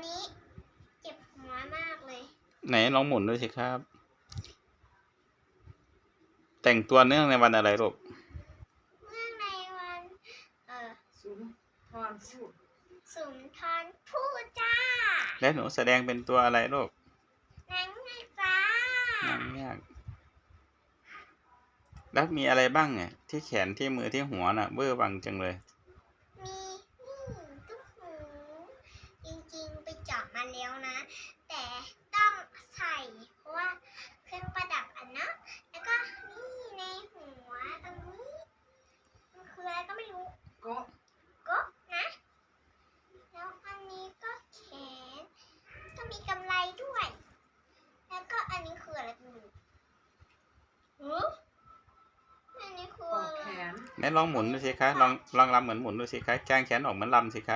นี้เจ็บหัวมากเลยไหนลองหมุนดูสิครับแต่งตัวเนื่องในวันอะไรลูกเนื่องในวันสุนทรภู่สุนทรภู่จ้าแล้วหนูแสดงเป็นตัวอะไรลูกนางเงือกจ้านางเงือกแล้วมีอะไรบ้างเนี่ยที่แขนที่มือที่หัวน่ะเบ้อบังจังเลยมีนี่ตุ้มหูจริงๆไปเจาะมาแล้วนะแต่ต้องใส่เพราะว่าเครื่องประดับนะแล้วก็นี่ในหัวตรงนี้มันคืออะไรก็ไม่รู้ก็นะแล้วอันนี้ก็แขนก็มีกำไรด้วยแล้วก็อันนี้คืออะไรกันอันนี้คืออะไรแขนไหนลองหมุนดูสิคะลองลำเหมือนหมุนดูสิคะแกงแขนออกเหมือนลำสิคะ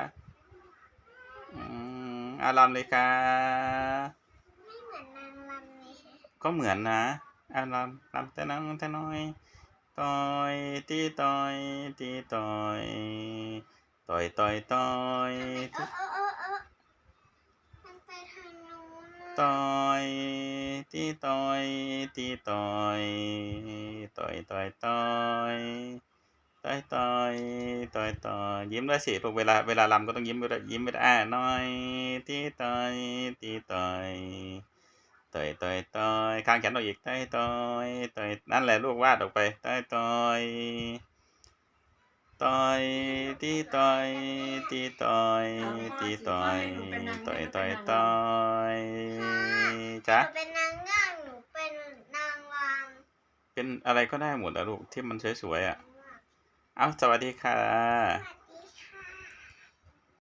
ลำเลยค่ะไม่เหมือนนางรำเลยฮะก็เหมือนนะลำแต่น้องแต่น้อยต่อยตีต่อยตีต่อยต่อยต่อยต่อยมันไปทางนู้นต่อยตีต่อยตีต่อยต่อยต่อยต่อยต่อยต่อยต่อยต่อยยิ้มด้วยสิลูกเวลารำก็ต้องยิ้มไปด้วยยิ้มไปด้วยน้อยตีต่อยตีต่อยต่อยต่อยต่อยข้างแขนออกอีกต่อยต่อยต่อยนั่นแหละลูกวาดออกไปต่อยต่อยต่อยตีต่อยตีต่อยตีต่อยต่อยต่อยต่อยจ๊ะหนูเป็นนางเงือกหนูเป็นนางรำเป็นอะไรก็ได้หมดอะลูกที่มันสวยๆอะเอาสวัสดีค่ะสวัส